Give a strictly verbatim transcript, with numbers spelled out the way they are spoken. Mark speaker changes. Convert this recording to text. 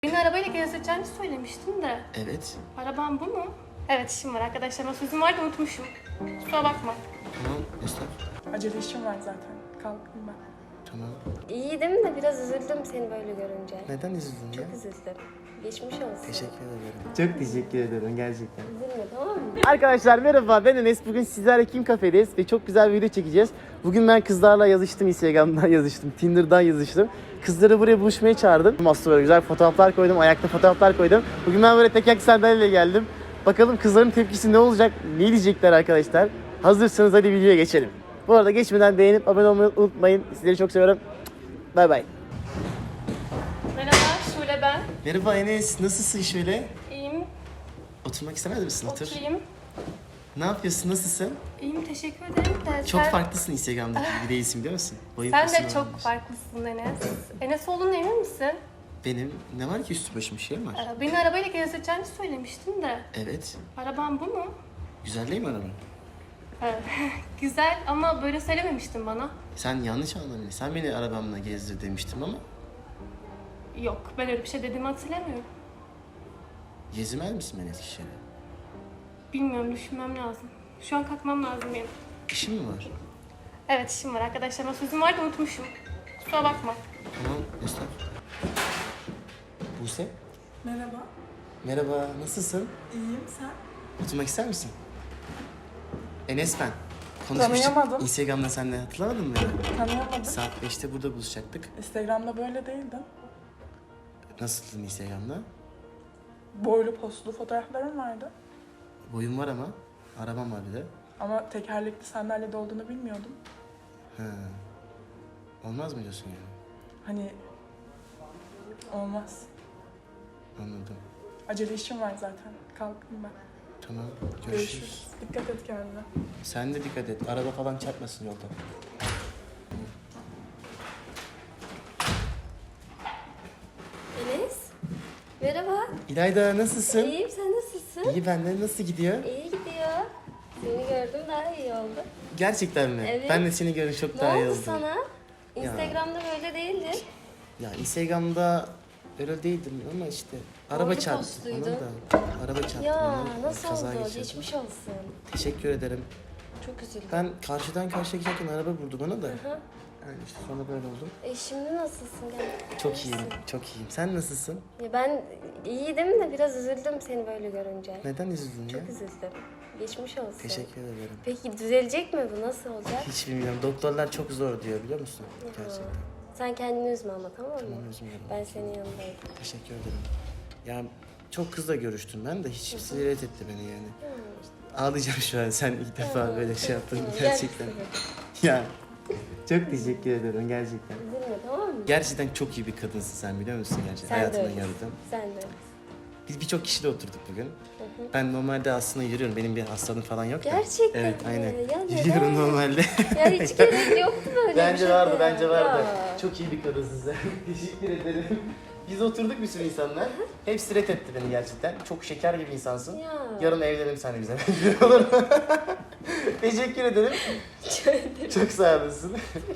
Speaker 1: Beni arabayla gezdireceğini söylemiştin de.
Speaker 2: Evet.
Speaker 1: Arabam bu mu? Evet, işim var arkadaşlarıma sözüm vardı, unutmuşum. Kusura bakma.
Speaker 2: Tamam estağfurullah.
Speaker 3: Acele işim var zaten. Kalktım ben.
Speaker 2: Tamam.
Speaker 4: İyiydim de biraz üzüldüm seni böyle görünce.
Speaker 2: Neden üzüldün ya?
Speaker 4: Çok üzüldüm. Geçmiş olsun.
Speaker 2: Teşekkür ederim. Çok teşekkür ederim gerçekten.
Speaker 4: Üzülme, tamam mı?
Speaker 2: Arkadaşlar merhaba, ben Enes. Bugün sizlerle Kim Kafe'deyiz ve çok güzel bir video çekeceğiz. Bugün ben kızlarla yazıştım, Instagram'dan yazıştım, Tinder'dan yazıştım. Kızları buraya buluşmaya çağırdım. Aslında böyle güzel fotoğraflar koydum, ayakta fotoğraflar koydum. Bugün ben böyle tekerlekli sandalyeyle geldim. Bakalım kızların tepkisi ne olacak, ne diyecekler arkadaşlar. Hazırsanız hadi videoya geçelim. Bu arada geçmeden beğenip abone olmayı unutmayın. Sizleri çok seviyorum. Bay bay.
Speaker 1: Merhaba, Şule ben.
Speaker 2: Merhaba Enes, nasılsın şöyle?
Speaker 1: İyiyim,
Speaker 2: Oturmak istemez misin? Otur.
Speaker 1: oturayım.
Speaker 2: Ne yapıyorsun, nasılsın?
Speaker 1: İyiyim, teşekkür ederim de
Speaker 2: Çok
Speaker 1: sen...
Speaker 2: farklısın Instagram'daki gibi değilsin biliyor musun? Boyun
Speaker 1: Sen
Speaker 2: posun
Speaker 1: de çok
Speaker 2: varmış.
Speaker 1: farklısın Enes. Enes olduğuna emin misin?
Speaker 2: Benim ne var ki üstü başım bir şey mi var?
Speaker 1: Ee, Beni arabayla gezdireceğini söylemiştin de.
Speaker 2: Evet.
Speaker 1: Arabam bu mu?
Speaker 2: Güzel değil mi araba?
Speaker 1: Ee, Güzel ama böyle söylememiştin bana.
Speaker 2: Sen yanlış anladın. Sen beni arabamla gezdir demiştim ama
Speaker 1: Yok, ben öyle bir şey dediğimi hatırlamıyorum.
Speaker 2: gezmez misin beni Eskişehir'e?
Speaker 1: Bilmiyorum, düşünmem lazım. Şu an kalkmam lazım benim.
Speaker 2: İşin mi var?
Speaker 1: Evet, işim var arkadaşlarıma sözüm vardı, unutmuşum. Kusura bakma.
Speaker 2: Tamam, estağfurullah. Buse,
Speaker 3: Merhaba.
Speaker 2: merhaba, nasılsın?
Speaker 3: İyiyim, sen?
Speaker 2: Oturmak ister misin? Enes ben. Konuşmuştuk.
Speaker 3: Tanıyamadım.
Speaker 2: Instagram'da seninle hatırlamadın mı beni?
Speaker 3: Tanıyamadım.
Speaker 2: Saat beşte burada buluşacaktık.
Speaker 3: Instagram'da böyle değildin.
Speaker 2: Nasıldın Instagram'da?
Speaker 3: Boylu postlu fotoğraflarım vardı.
Speaker 2: Boyum var ama. Arabam var bir de.
Speaker 3: Ama tekerlekli sandalyede olduğunu bilmiyordum.
Speaker 2: Ha. Olmaz mı diyorsun yani?
Speaker 3: Hani olmaz.
Speaker 2: Anladım.
Speaker 3: Acele işim var zaten. Kalktım ben.
Speaker 2: Tamam, görüşürüz.
Speaker 3: Görüşürüz. Dikkat et kendine.
Speaker 2: Sen de dikkat et. Araba falan çarpmasın yolda.
Speaker 4: Enes, merhaba.
Speaker 2: İlayda nasılsın?
Speaker 4: İyiyim, sen nasılsın?
Speaker 2: İyi, benden nasıl gidiyor?
Speaker 4: İyi gidiyor. Seni gördüm, daha iyi oldu.
Speaker 2: Gerçekten mi?
Speaker 4: Evet.
Speaker 2: Ben de seni görünce çok
Speaker 4: Ne
Speaker 2: daha iyi
Speaker 4: oldu
Speaker 2: oldum.
Speaker 4: sana? Instagram'da böyle değildin.
Speaker 2: Ya Instagram'da öyle değildim ama işte araba
Speaker 4: Boylu
Speaker 2: çarptı
Speaker 4: postluydun.
Speaker 2: bana da. Araba çarptı
Speaker 4: Ya
Speaker 2: bana.
Speaker 4: nasıl
Speaker 2: Kaza
Speaker 4: oldu?
Speaker 2: geçirdim.
Speaker 4: Geçmiş olsun.
Speaker 2: Teşekkür ederim.
Speaker 4: Çok üzüldüm.
Speaker 2: Ben karşıdan karşıya giderken araba vurdu bana da.
Speaker 4: Hı.
Speaker 2: Yani işte sonra böyle oldu.
Speaker 4: E şimdi nasılsın? Gel.
Speaker 2: Çok
Speaker 4: İyisin.
Speaker 2: iyiyim, çok iyiyim. Sen nasılsın?
Speaker 4: Ya ben iyiydim de biraz üzüldüm seni böyle görünce.
Speaker 2: Neden üzüldün ya?
Speaker 4: Çok üzüldüm. Geçmiş olsun.
Speaker 2: Teşekkür ederim.
Speaker 4: Peki düzelecek mi bu? Nasıl olacak?
Speaker 2: Hiç bilmiyorum. Doktorlar çok zor diyor biliyor musun? Gerçekten.
Speaker 4: Sen kendini üzme ama, tamam mı?
Speaker 2: Tamam, üzmüyorum.
Speaker 4: Ben senin yanındayım.
Speaker 2: Teşekkür ederim. Ya çok kızla görüştüm ben de hiç ziyaret etti beni yani. Ağlayacağım şu an sen ilk defa böyle şey yaptın gerçekten. Ya çok teşekkür ederim gerçekten.
Speaker 4: Üzülme, tamam mı?
Speaker 2: Gerçekten çok iyi bir kadınsın sen biliyor musun gerçekten?
Speaker 4: Sen de
Speaker 2: Hayatımda
Speaker 4: öylesin.
Speaker 2: gördüm.
Speaker 4: Sen de öylesin.
Speaker 2: Biz birçok kişiyle oturduk bugün. Ben normalde aslında yürüyorum. Benim bir hastalığım falan yok da.
Speaker 4: Gerçekten
Speaker 2: Evet
Speaker 4: mi?
Speaker 2: aynen.
Speaker 4: Ya neden?
Speaker 2: Yürüyorum normalde.
Speaker 4: Ya hiç gerek yoktu böyle bir
Speaker 2: Bence
Speaker 4: şeye.
Speaker 2: vardı, bence vardı.
Speaker 4: Ya.
Speaker 2: Çok iyi bir kadınsın sen. Teşekkür ederim. Biz oturduk bir sürü insanlar. Hepsi ret etti beni gerçekten. Çok şeker gibi insansın.
Speaker 4: Ya.
Speaker 2: Yarın evlenelim seninle bize. Olur mu? Teşekkür ederim. Çok sağ olasın.